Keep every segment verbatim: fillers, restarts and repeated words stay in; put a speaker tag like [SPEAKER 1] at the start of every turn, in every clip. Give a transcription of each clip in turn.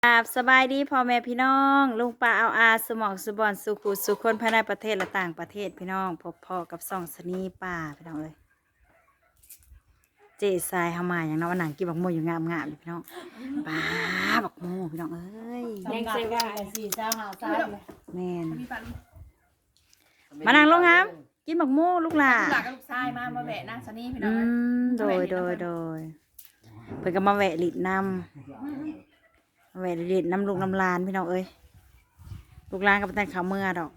[SPEAKER 1] ครับสบายดีพ่อแม่พี่น้องลุงป้าเอาอาสมองสุบอนสุขุสุคนภายในประเทศและต่างประเทศพี่น้องพบพ่อกับส่องสนีป่าพี่น้องเอ้ยเจทรายเฮามาอย่างน้องหนังกินบักโมอยู่งามงามพี่น้องป้าบักโมพี่น้องเอ้ย
[SPEAKER 2] แดงเซว่าสี่เจ้าหาเจ้าเลย
[SPEAKER 1] แม่นมานั่งลงครับกินบักโมลูกหล่า
[SPEAKER 3] ลูกหลานกับลูกชายมามาแวะนั่งซะนี่พี่น้
[SPEAKER 1] อื
[SPEAKER 3] อง
[SPEAKER 1] มโดยโดยโดยเพิ่นก็มาแวะหลิดน้ำมาแวะหลิดน้ำลูกน้ำลานพี่น้องเอ้ยลูกหลานกับตันเขาเมื่อดอก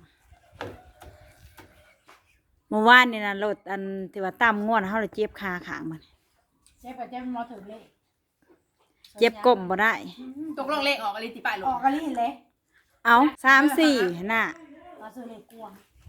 [SPEAKER 1] เมื่อวานนี่นะรถอันที่ว่าตั้มง่วนเขาเลยเจ็บคาขางมัน
[SPEAKER 2] เจ๊ปัจเจ๊มอถือเลข
[SPEAKER 1] เจ็บก้มบ่ได้
[SPEAKER 3] ตกลงเลขออกอะไรติป้ายล
[SPEAKER 2] ออง กกะลี่เลย
[SPEAKER 1] เอาสามสี่น่ะ
[SPEAKER 2] มาซื้อเลขกวง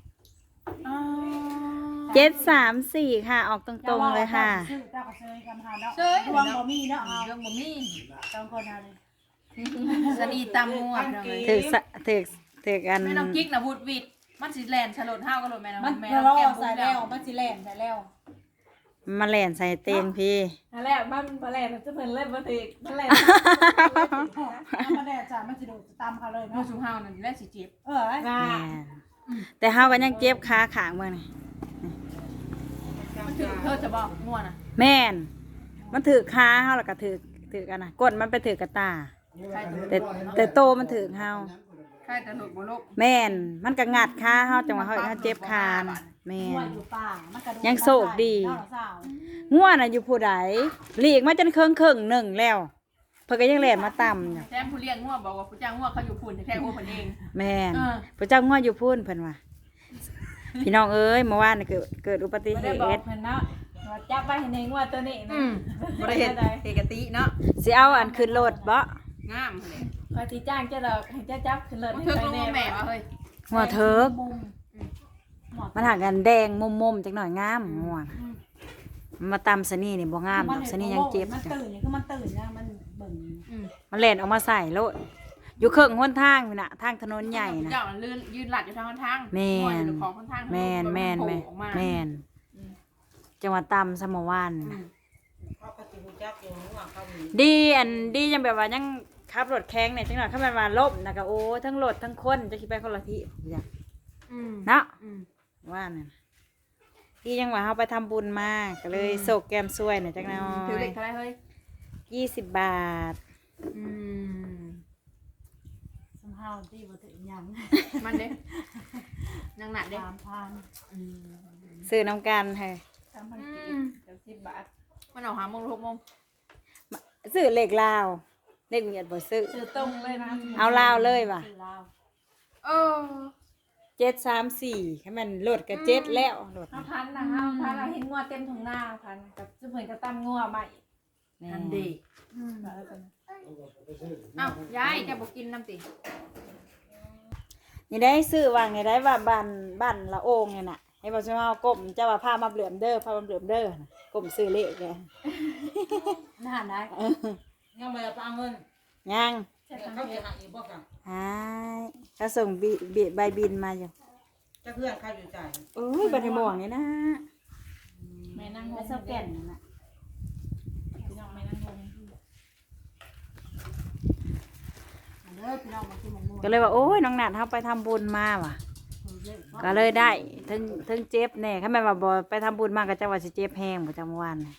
[SPEAKER 1] เจ็ดสามสี่ค่ะ ออกตรงๆเลยค่ะ
[SPEAKER 2] ซื้อเจ้าก็ซื้อกันหาเนาะ
[SPEAKER 3] เจ้ย
[SPEAKER 2] ดวงบ่มีเนาะเอา
[SPEAKER 3] เรื่องบ่มี
[SPEAKER 2] สองคนเอาเลย
[SPEAKER 3] สนีตำงัวพี่น้องเอ้ย
[SPEAKER 1] ถือสะถือถือกัน
[SPEAKER 3] แม่น้องกิ๊กนะวูดวิดมันสิแลนฉลดห้าวก็โลดแม่น้อง
[SPEAKER 2] มัน
[SPEAKER 3] แม่
[SPEAKER 2] กระ
[SPEAKER 3] น้
[SPEAKER 2] ร
[SPEAKER 3] อง
[SPEAKER 2] อ
[SPEAKER 3] แก้ม
[SPEAKER 2] ใส่
[SPEAKER 3] แล้
[SPEAKER 2] แล้ว วมันสิแล่นใส่แล้ว
[SPEAKER 1] มาแล่นใส่เตียงพี่
[SPEAKER 4] อันแรกมันมาแรกมันจะเป็นเล่นมาถึกมันแรก
[SPEAKER 2] ถ้ามาแดดจ้ามันสิโดดตามเขาเลย
[SPEAKER 3] ลู
[SPEAKER 2] เนาะ
[SPEAKER 3] กชุมห้าวนั่นแหละสิเจ็บ
[SPEAKER 2] เออ
[SPEAKER 4] มา
[SPEAKER 1] แม่นแต่เฮากันยังเจ็บขาขางเมื่อนี่
[SPEAKER 3] มันถือเธอจะบอกงัวน่ะ
[SPEAKER 1] แม่น มันถือขาเฮาแล้วก็ถือถือกันนะก้นมันไปถือกระตา
[SPEAKER 3] ใครจะ
[SPEAKER 1] แต่แต่โตมันถือเฮา
[SPEAKER 3] ใครจะหลุดบ่ลูก
[SPEAKER 1] แม่น มันก็งัดขาเฮาจังว่าเฮาเฮาเจ็บคานะแม่
[SPEAKER 2] หัวน อยู่ป่ามันกระโดด
[SPEAKER 1] ยังโศกดี
[SPEAKER 2] เนาะสาว
[SPEAKER 1] ง่วนน่ะอยู่ผู้ใดหลีกมาจนเคิงเคิงหนึ่งแล้ว เพิ่นก็ยังแล่นมาต่ำอยู่
[SPEAKER 3] แถมผู้เลี้ยงงัวบอกว่าผู้จ้างงัวเขาอยู่พุ่นแท้ๆงัวเพิ่นเอง
[SPEAKER 1] แม่น
[SPEAKER 3] เออ
[SPEAKER 1] พระเจ้าง่วนอยู่พุ่นเพิ่นว่าพี่น้องเอ้ยเมื่อวานน่ะเกิดเกิดอุบัติ
[SPEAKER 4] ไม่
[SPEAKER 1] เห
[SPEAKER 4] ได้บอก
[SPEAKER 1] ตุ
[SPEAKER 4] เพิ่นเนาะว่าจับไปในงวดตัวนี้นะ
[SPEAKER 3] อืมบ่ได้เฮ็ดเฮกะติเนาะ
[SPEAKER 1] สิเอาอันขึ้นรถบ่
[SPEAKER 3] งามเลย
[SPEAKER 4] คอยตีจ้างเจ้าดอกให้เจ้าจับขึ้นรถ
[SPEAKER 3] มัน
[SPEAKER 4] ให้
[SPEAKER 3] เทิก
[SPEAKER 4] ไป
[SPEAKER 3] ลง
[SPEAKER 4] แน่
[SPEAKER 3] มาแม่ว่าเฮ้ย
[SPEAKER 1] หัวเถิก
[SPEAKER 2] มุม
[SPEAKER 1] มันหากันแดงมุมๆจักหน่อยงามม่วนมันมาตำสนี่นี่บ่งามดอกสนี่ยังเจ็บ
[SPEAKER 2] มัน
[SPEAKER 1] จ้ะ
[SPEAKER 2] ตื่นนี่คือมันตื่นนะมันเบิ่ง
[SPEAKER 3] อืม
[SPEAKER 1] มันแล่นออกมาใส่โลดอยู่เครื่องหนทางนี่น่ะทางถนนใหญ่น่ะ
[SPEAKER 3] เจ้าลื่นยืนหลัดอยู่ทางทาง
[SPEAKER 1] แม่น
[SPEAKER 3] งัวอยู่ของทาง
[SPEAKER 1] แม่นแม่นแม่น
[SPEAKER 3] ออกมา
[SPEAKER 1] แม่นจังหวัดตำสมอวานนี่
[SPEAKER 3] อื
[SPEAKER 1] นะ
[SPEAKER 3] ม
[SPEAKER 1] ดีอันดียังแบบว่ายังขับรถแข้งเนี่ยจังหวะขับมันมาล่มนะก็โอ้ทั้งรถทั้งคนจะคิดไปคนละที่จ้ะ
[SPEAKER 3] อืม
[SPEAKER 1] เนาะ
[SPEAKER 3] อืม
[SPEAKER 1] ว่านั่นที่ยังว่าเขาไปทำบุญมาก็เลยโศกแก้มซวยหน่อยจังหน่
[SPEAKER 3] ถือ
[SPEAKER 1] อ
[SPEAKER 3] เล็
[SPEAKER 1] ย
[SPEAKER 3] กเท่าไรเฮ้ย
[SPEAKER 1] ยี่สิบบาท
[SPEAKER 3] อืม
[SPEAKER 2] สมเฮาที่บ่ถึงหยัง
[SPEAKER 3] มันเด้นางหนัดเด้
[SPEAKER 2] สามพัน
[SPEAKER 3] อืม
[SPEAKER 1] ซื้อน้ำกันเฮ้ย
[SPEAKER 2] สามพัน
[SPEAKER 3] อื
[SPEAKER 2] กี
[SPEAKER 3] ม
[SPEAKER 2] บ
[SPEAKER 3] เดี๋ยวสิบบาทมันออกหาโมงหกโมง
[SPEAKER 1] ซื้อเหล็กลาวเหล็กเมียดบ่ซื้อ
[SPEAKER 4] ซื้อตรงเลยนะ
[SPEAKER 1] เอาลาวเลยว่ะ
[SPEAKER 2] ซื้อลาว
[SPEAKER 3] เออ
[SPEAKER 1] เจ็ดสามสี่ให้มันลดกับเจ็ดแล้วลด
[SPEAKER 4] เอาพันนะฮะพันเราเห็นงวดเต็มถุงหน้าพันกับจะเหมือนกับตั้มงวดใหม่
[SPEAKER 3] ทันดี
[SPEAKER 4] อืมแล้วกัน
[SPEAKER 3] เอ้ายายจะบอกกินน้ำติ
[SPEAKER 1] นี่ได้ซื้อวางนี่ได้ว่าบ้านบ้านละโองเนี่ยน่ะให้บอกว่าเอาก้มเจ้าว่าผ้ามาเหลื่อมเด้อผ้ามาเหลื่อมเด้อน่ะก้มซื้อเลขแก
[SPEAKER 2] น่าได้
[SPEAKER 5] ยังไม่ได้ปาเงิน
[SPEAKER 1] ยัง
[SPEAKER 5] เขาจะหาอีกบ่กัน
[SPEAKER 1] หายเขาส่งบิบิใบบินมาอยู่
[SPEAKER 5] จะเพื่อนใครอยู่ใจ
[SPEAKER 1] โอ้ยบันไดม่วงนี่นะ
[SPEAKER 4] แม่นั่ง
[SPEAKER 1] ไม่เศร้าแก่นน่ะ
[SPEAKER 4] พี่น้องแม่นั่งงง
[SPEAKER 2] เด้อพี่น้องมากินหมูหมู
[SPEAKER 1] ก็เลยว่าโอ้ยน้องนัดเขาไปทำบุญมาว่ะ ก็เลยได้ถึงถึงเจ็บแน่ถ้าแม่ว่าบอไปทำบุญมาก็จะว่าสิเจ็บแห้งประจำวันน่ะ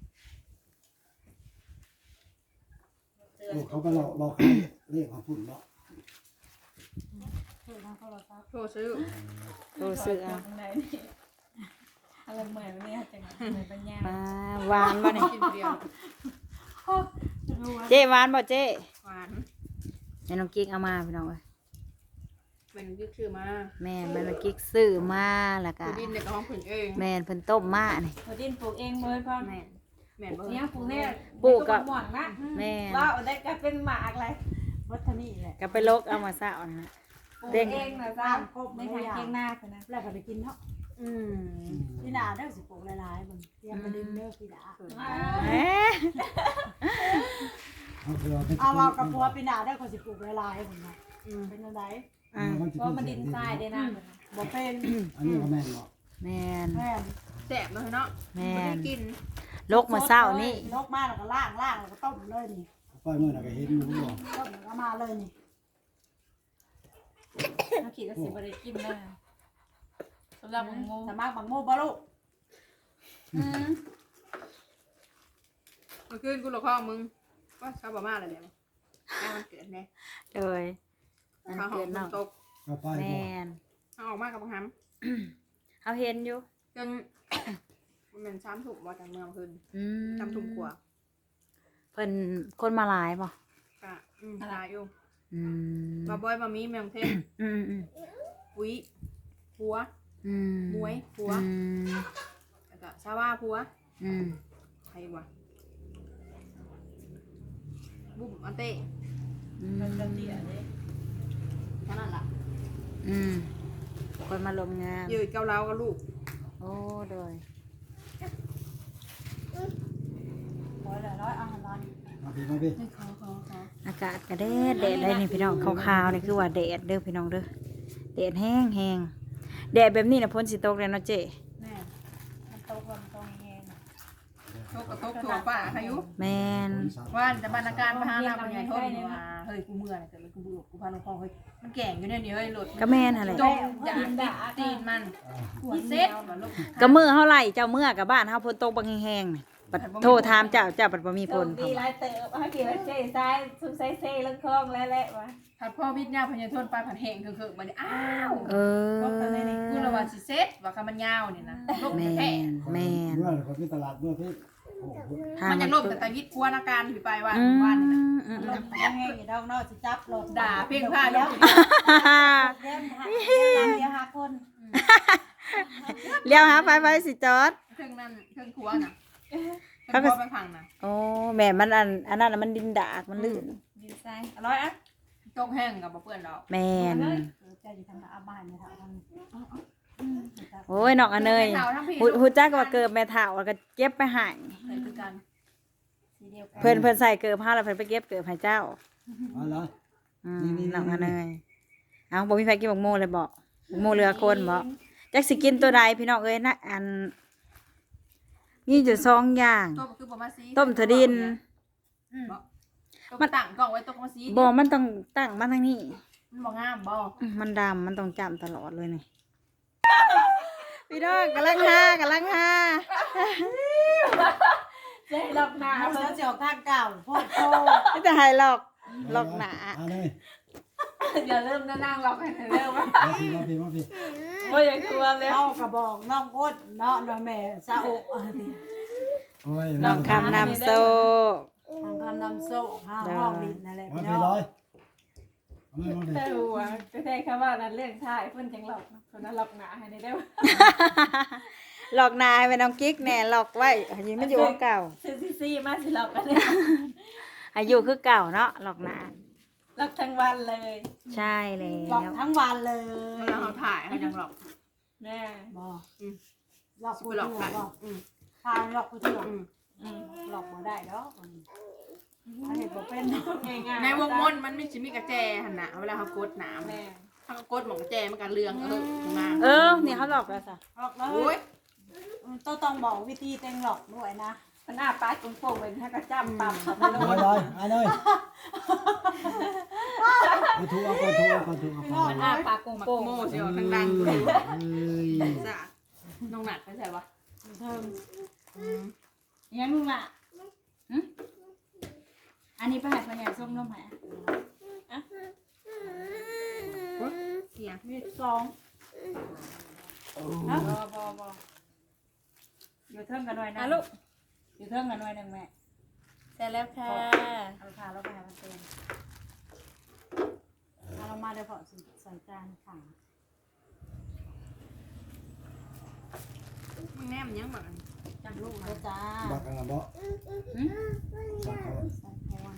[SPEAKER 6] ลูกเขาก็หลอกหลอกให้เรียกเขาพุ่นเนาะ
[SPEAKER 2] ซื้อทางโทรศัพท์
[SPEAKER 3] โทรซื้อ
[SPEAKER 1] รู้สึกอ่ะ
[SPEAKER 4] ตรงไหนนี่อะไรเหมือนเนี่ยจังเหมือนปัญญา
[SPEAKER 1] อ่าหวานบ่เนี่ย
[SPEAKER 3] กินเดียว
[SPEAKER 1] เจ๊หวานบ่เจ๊
[SPEAKER 3] หวาน
[SPEAKER 1] แม่น้องกิ๊กเอามาพี่น้องเอ้ย
[SPEAKER 3] เป็นยึกชื่อมา
[SPEAKER 1] แม่แม่น้องกิ๊กซื้อมาแล้วก็
[SPEAKER 3] คือดินในกระห้องผืนเอง
[SPEAKER 1] แม่เพิ่นต้มมานี่
[SPEAKER 4] พอดินปลูกเองเลยพ่อ
[SPEAKER 3] แม่นแม่นบ่
[SPEAKER 4] เนี่ยปลูกเนี่ย
[SPEAKER 1] ปลูกกับ
[SPEAKER 4] หม่วงนะ
[SPEAKER 1] แม่
[SPEAKER 4] ว่าเอาได้ก็เป็นหมากเลย
[SPEAKER 2] วัฒนีแหละ
[SPEAKER 1] ก็ไปลกเอามาซะเอานะฮะ
[SPEAKER 4] ปลูก
[SPEAKER 1] เด้ง
[SPEAKER 4] เองนะจ้าในทางเคียงหน้าคนนะ
[SPEAKER 2] แล้วก็ไปกินเนาะ
[SPEAKER 3] อืม
[SPEAKER 2] พี่ดาเด้อสิปลูกหลายๆเบิ่งเตรียมมาดึงเด้อพี่ดา
[SPEAKER 1] แหม
[SPEAKER 6] เขาคือเอาไป
[SPEAKER 2] เอาเอากับพัวพี่ดาเด้อคนสิปลูกหลายๆเบิ่งนะ
[SPEAKER 3] อืม
[SPEAKER 2] เป็นจังได๋
[SPEAKER 1] อ่ะ
[SPEAKER 4] เพราะมันดินทรายได้นะ
[SPEAKER 2] บ่เป็น
[SPEAKER 6] อันนี้ก็แม่นเนาะ
[SPEAKER 1] แม่น
[SPEAKER 2] แม่น
[SPEAKER 3] แสบเลยเนาะ
[SPEAKER 1] แม่
[SPEAKER 3] ไม่
[SPEAKER 1] น
[SPEAKER 3] ได้กิน
[SPEAKER 1] ลกมาเศร้านี่
[SPEAKER 2] ลกมาแล้วก็ล้างล้างแล้วก็ต้มเลยนี่
[SPEAKER 6] ปล่อยมือน่ะก็เห็นอยู่บ่
[SPEAKER 2] ต้มก็มาเลยนี่
[SPEAKER 4] ถ้าขีดก็สิบริกินได้สำหรับมังโม
[SPEAKER 2] สมัครบังโมบ่ลูก
[SPEAKER 4] อืม
[SPEAKER 3] เมื่อคืนกูหลอกข้อมึงว่าชาวบ้านมาอะไรเนี่ยแม่มันเกิดเนี่ย
[SPEAKER 1] โดยมัน
[SPEAKER 3] ข้าวหอ
[SPEAKER 1] เกิ
[SPEAKER 3] ม
[SPEAKER 1] น
[SPEAKER 3] ฝ
[SPEAKER 1] เนาะ
[SPEAKER 3] นตก
[SPEAKER 6] ก็ไป
[SPEAKER 1] แม
[SPEAKER 6] บ่
[SPEAKER 1] น
[SPEAKER 3] เอาออกมากับบังคับ
[SPEAKER 1] เอาเห็นอยู่
[SPEAKER 3] จน มันเป็นช้ำถูกว่าจากเมืองคืน
[SPEAKER 1] อืม
[SPEAKER 3] ช้ำถูกกว่า
[SPEAKER 1] เพิ่นคนมาหลายป่ะ
[SPEAKER 3] กะอืมตายอยู่
[SPEAKER 1] อืม
[SPEAKER 3] มาบอยมามีเมืองเทพ
[SPEAKER 1] อืมอืม
[SPEAKER 3] ปุ้ยผัว
[SPEAKER 1] อืม
[SPEAKER 3] มวยผัว
[SPEAKER 1] อืม
[SPEAKER 3] แล้วก็ชาวบ้าผัว
[SPEAKER 1] อืม
[SPEAKER 3] ใครวะบุ้มอันเต้
[SPEAKER 1] อืม
[SPEAKER 2] จะเตี้ยเลย
[SPEAKER 3] เท่านั้นล่ะ
[SPEAKER 1] อืมคนมาลมงาน
[SPEAKER 3] ยืดเกาเหลากับลูก
[SPEAKER 1] โอ้โดย
[SPEAKER 2] ร้อยละร้อยเอาร้อย
[SPEAKER 6] มาพี่มาพี่
[SPEAKER 3] ขอขอขอ
[SPEAKER 1] อากาศก็แดดแดดเลยนี่พี่น้องขาวๆนี่คือว่าแดดเด้อพี่น้องเด้อแดดแห้งแห้งแดดแบบนี้นะพ้นสิตกเลยเนาะเจ๊
[SPEAKER 2] แม่มันโตกมันโตแห้ง
[SPEAKER 3] โทกกระทบถั่วป่าใครยุ
[SPEAKER 1] แมน
[SPEAKER 3] ว่านแต่บรรณาการพานาปัญญาโทษมาเฮ้ยกูเมื่อยแต่เลยกูบุกกูพาลงคลองเฮ้ยมันแก่งอยู่เนี่ยนี่เฮ้ยหลุด
[SPEAKER 1] ก็แม่นหั่นแหละ
[SPEAKER 3] จงอย่าติดตีนมันพี่เซ็ตมาลูก
[SPEAKER 1] ก็มือเฮาไหลเจ้ามือกับบ้านเฮาพ้นตกบางแห้งๆนี่บัดโทรถามเจ้าเจ้าบัดบ่มี
[SPEAKER 4] โช
[SPEAKER 1] พ้
[SPEAKER 4] คน ดีหลายเติบให้กี่ว่าเจ๊ซ้ายซุมไซเซ่ลังคลองแล้วแหละวะ
[SPEAKER 3] ผัดพ่อวิทย์ยาพญาโทษไปผัดแห้งคือคือมันอ้าว
[SPEAKER 1] เออ
[SPEAKER 3] กูระว่าสิเซ็ตว่าคำมันยาวนี่นะลูก
[SPEAKER 1] แม
[SPEAKER 3] แท้
[SPEAKER 1] นแมน
[SPEAKER 6] เมื่อคนที่ตลาดเมื่อพี่โอ้โห
[SPEAKER 3] มันจะล่มแต่ตาวิทย์กวนอาการอยู่ไปว่า
[SPEAKER 1] อืม
[SPEAKER 3] วันนี่นะ
[SPEAKER 1] อืม
[SPEAKER 2] ลงแห้งอยู่ดอกนอกสิจับลง
[SPEAKER 3] ด่าเพียงผ้าแล้ว
[SPEAKER 2] เล่นหาเดียวหาคน
[SPEAKER 1] เลี้ยวหาไฟไฟสิจอด
[SPEAKER 3] เครื่องนั้นเครื่องครัวน่ะเครื่องครัวไปพังน่ะ
[SPEAKER 1] โอ้แม่มันอันอันนั้นน่ะมันดินดากมันลื่น
[SPEAKER 4] ดีไซน์อร่อยอ่ะ
[SPEAKER 3] ตกแห้งกับบ่เปื้อนดอก
[SPEAKER 1] แม่น
[SPEAKER 2] เจ้าอยู่ทางอาบ้านเนี่ยทาง
[SPEAKER 1] โอ้ยน้องอันเนย
[SPEAKER 3] เฒ่าทั้งพี่
[SPEAKER 1] หูหูจักว่าเกิดแม่เฒ่าแล้วก็เก็บไปใหาย
[SPEAKER 3] ใส่คือกัน
[SPEAKER 2] สีเดียวกัน
[SPEAKER 1] เพิ่นเพิ่นใส่เกิบผ้าแล้วเพิ่นไปเก็บเกิบให้เจ้า
[SPEAKER 6] เอาละ
[SPEAKER 1] อืม
[SPEAKER 6] นี่ๆๆ
[SPEAKER 1] น้องอันเนยเอาบ่มีไฟกินบักโมเลยบอกบักโมเรือคนบอกจักสิกินตัวใดพี่น้องเอ้ยนะอันมีอยู่สองอย่าง
[SPEAKER 3] ต้มคือบ่มาซี
[SPEAKER 1] ต้มถั่วดิน
[SPEAKER 3] มันตั้งกล้องไว้ต้มมาซี
[SPEAKER 1] บ่มันต้องตั้งมาทางนี้
[SPEAKER 3] มันบ่งามบ่
[SPEAKER 1] อืมมันดำมันต้องจำตลอดเลยนี่พี่น้องกำลังหากำลังหา
[SPEAKER 4] เจ๊หลอกหนา
[SPEAKER 2] เอา
[SPEAKER 4] เพิ่
[SPEAKER 2] เสือน เจียวข้างเก่าพ่อโต
[SPEAKER 1] ไม่จะหายหลอกหลอกหนา
[SPEAKER 6] เอาเลย
[SPEAKER 4] อย่าเริ่มนั่งหลอกให้เริ่มว่า
[SPEAKER 6] มาพี่มาพี่มาพี่
[SPEAKER 4] บ่อยากกลัวเลย
[SPEAKER 2] เอากระบอกน้องก้นเนาะน้องแม่ซาโอะอันนี้
[SPEAKER 6] โอ้ย
[SPEAKER 1] น้องคำนำโซ่
[SPEAKER 2] ทางคำนำโซ่ห้าห้องดินนั่นแหละ
[SPEAKER 6] มา
[SPEAKER 2] พี่
[SPEAKER 6] พี่
[SPEAKER 2] น้อง
[SPEAKER 6] ร้อยเอาเลยมาพี่
[SPEAKER 4] แต่หัวก็ได้แค่ว่านั้นเรื่องท้ายเพิ่นจังหลอกคนนั้นหลอกหนาให้ได้บ่
[SPEAKER 1] หลอกนายไปน้องกิ๊กแน่หลอกไว้อายุมันอยู่คือเก่า
[SPEAKER 4] ซื้อซี่มาสิหลอกกันเนี่ย
[SPEAKER 1] อายุคือเก่าเนาะหลอกนา
[SPEAKER 4] หลอกทั้งวันเลย
[SPEAKER 1] ใช่แล้
[SPEAKER 2] หลอก
[SPEAKER 1] ว
[SPEAKER 2] ทั้งวันเลย
[SPEAKER 3] เวลาเขาถ่ายเขายังหลอก
[SPEAKER 4] แม่
[SPEAKER 2] บอกหลอก
[SPEAKER 3] สิ
[SPEAKER 2] กู
[SPEAKER 3] ไปหล
[SPEAKER 2] เถื่
[SPEAKER 3] อ
[SPEAKER 2] อก น
[SPEAKER 3] ใคร
[SPEAKER 2] บอก
[SPEAKER 3] อืม
[SPEAKER 2] ทางหลอกกูเถื่อน
[SPEAKER 3] อืม
[SPEAKER 2] อืมหลอกบ่ได้ดอกอันนี้บ่เป็น
[SPEAKER 4] ง่ายๆ
[SPEAKER 3] ในวงมนต์มันไม่ใช่มีกระแจหั่นน่ะเวลาเขากดหนาม
[SPEAKER 4] แม่
[SPEAKER 3] ถ้าเขากดหมองกระแจมันก็เรืองเออมา
[SPEAKER 1] เออนี่เขาหลอกแล้วสะ
[SPEAKER 2] หลอกแล้ว
[SPEAKER 3] โอ้ย
[SPEAKER 2] ต้องต้องบอกวิธีเต็งหลอกด้วยนะ
[SPEAKER 4] มันอ้าปากโป่งๆเป็นให้กระจ้ำปั๊บเข้าไปลง
[SPEAKER 6] ร้อยร้อยเอาเลยเอาถูกเอาก่อนถูกเอาก่อนถูกเอาก่อน
[SPEAKER 4] มันอ้าปาก
[SPEAKER 3] หมัก
[SPEAKER 4] โป่ง
[SPEAKER 3] โม่
[SPEAKER 4] ๆ
[SPEAKER 3] เสียวทางดัง
[SPEAKER 6] เอ้ย
[SPEAKER 3] จ้ะน้องหนักไปใส่ปะ
[SPEAKER 2] เทิม
[SPEAKER 1] ยังลุงล่ะหึอันนี้ไปให้พ่อใหญ่ส่งนมให้
[SPEAKER 3] เสียง
[SPEAKER 2] มีสอง
[SPEAKER 1] บ่บ่บ่อยู่เทิงกันหน่อยนะ
[SPEAKER 4] อ่ะลูก
[SPEAKER 1] อยู่เทิงกันหน่อยหนึงแม่
[SPEAKER 4] เสร็จแล้วค่ะ
[SPEAKER 2] เอาขาเราไปหามันเต็มเอาลงมาเดี๋ยวพอใส่จานขัง
[SPEAKER 3] มึงแนมยังแบบ
[SPEAKER 2] จับลูกแล้วจ้า
[SPEAKER 6] บักกันละบ่
[SPEAKER 1] หึ
[SPEAKER 6] บักเขา
[SPEAKER 2] ใส่พร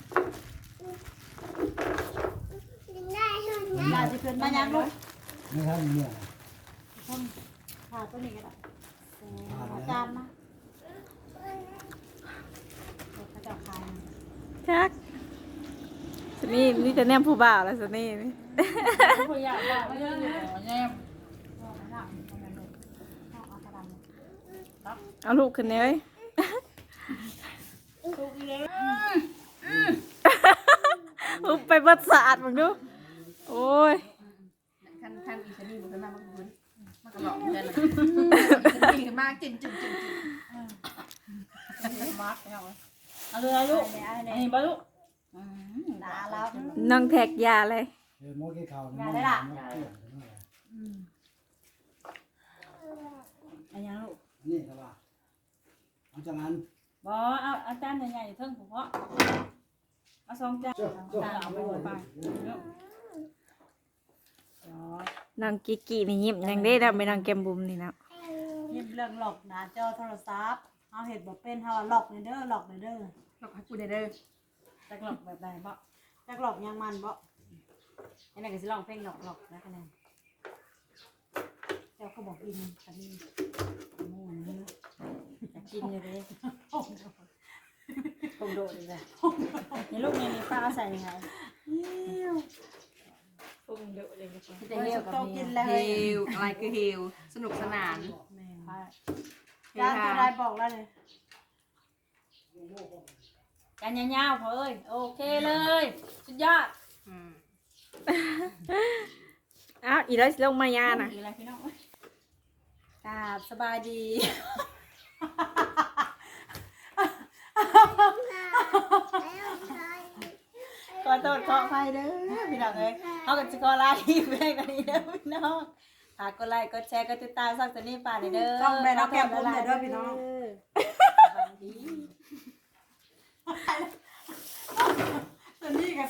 [SPEAKER 2] ยาจะเกินมายังลูก
[SPEAKER 6] ไม่ทันเมื่อ
[SPEAKER 2] คนขาตัวนี้ก็ได้เอาจานมาเขาจะขาย
[SPEAKER 1] จักสนี่นี่จะแนมผู้บ่าวแล้วสนี่นี่
[SPEAKER 4] ผู้ใหญ่บอกว่าเรื่องอยู่แน่
[SPEAKER 1] เอาลูกขึ้นเลย
[SPEAKER 4] ทุกเรื่อง
[SPEAKER 1] อุ๊บไปเบัดสะอาดมึงดูโอ้ย
[SPEAKER 3] คันคันอีชนี่มันขึ้นมามันก็มันก็หลอกเหมือนกันนะอีขึ้นมาจินจินจินจิน
[SPEAKER 5] มาร์กเอาเอาเลยลูกอันนี้บ่ลูก
[SPEAKER 2] ตาแล้ว
[SPEAKER 1] น้องแท็กยาเลย
[SPEAKER 6] เออหมอกี้เขา
[SPEAKER 2] อย่าได้ล่ะ
[SPEAKER 5] อันยังลูก
[SPEAKER 6] นี่ก็ว่าเอาจากนั้น
[SPEAKER 5] บ่เอาอาจารย์ใหญ่ๆเทิงผมเพาะเอาสองจาน
[SPEAKER 6] เจ้าเจ้า
[SPEAKER 5] เอาไปหมดไปลูก
[SPEAKER 1] น้องกิกกี้นี่ยิ้มยังได้ดำไปน้องแกมบุมนี่นะ
[SPEAKER 2] ยิ้มเรื่องหลอกหน้าจอโทรศัพท์เอาเห็ดบ่เป็นเฮาหลอกเด้อหลอกเด้อ
[SPEAKER 3] หลอกให้กูได้เด้อ
[SPEAKER 5] จักหลอกแบบใดบ่
[SPEAKER 2] จักหลอกยังมันบ่
[SPEAKER 5] อันนั้นก็สิร้องเพลงหลอกหลอกๆนะคะแนน
[SPEAKER 2] เจ้าก็บอกอินคันนี้
[SPEAKER 5] หมูนี่อยากกินอยู่เด้ผมโดดเลยจ้ะนี่ลูกนี่นี่ป้าเอาใส่ยังไง
[SPEAKER 4] พุ่งเดือดเลย
[SPEAKER 5] ที่จะเหี่ยวกับ
[SPEAKER 2] โต
[SPEAKER 5] เมี
[SPEAKER 2] กิ
[SPEAKER 5] ย
[SPEAKER 2] นแล้ว
[SPEAKER 3] เฮลอะไรคือเฮลสนุกสนาน
[SPEAKER 5] ป้า
[SPEAKER 2] จานจะได้บอกแล้วเลย
[SPEAKER 5] กันยาวๆพอเอ้ยโอเคเลยสุดยอด
[SPEAKER 3] อืม
[SPEAKER 1] อ้าวอีแล้วสิลงมายานะ
[SPEAKER 5] อีกอะไรพี่น้องกราบสบายดี ขอโทษขออภัยเด้อพี่น้องเอ้ยเอากันจะขอลาที่ไปกันนี้เด้อพี่น้องฝากกดไลค์กดแชร์กดติดตามช่องสนี่ป่าเด้อ
[SPEAKER 2] ต้องไปรับแก้มผมเด้อพี่น้อง
[SPEAKER 5] สวัสดี
[SPEAKER 2] ตอนนี้ก็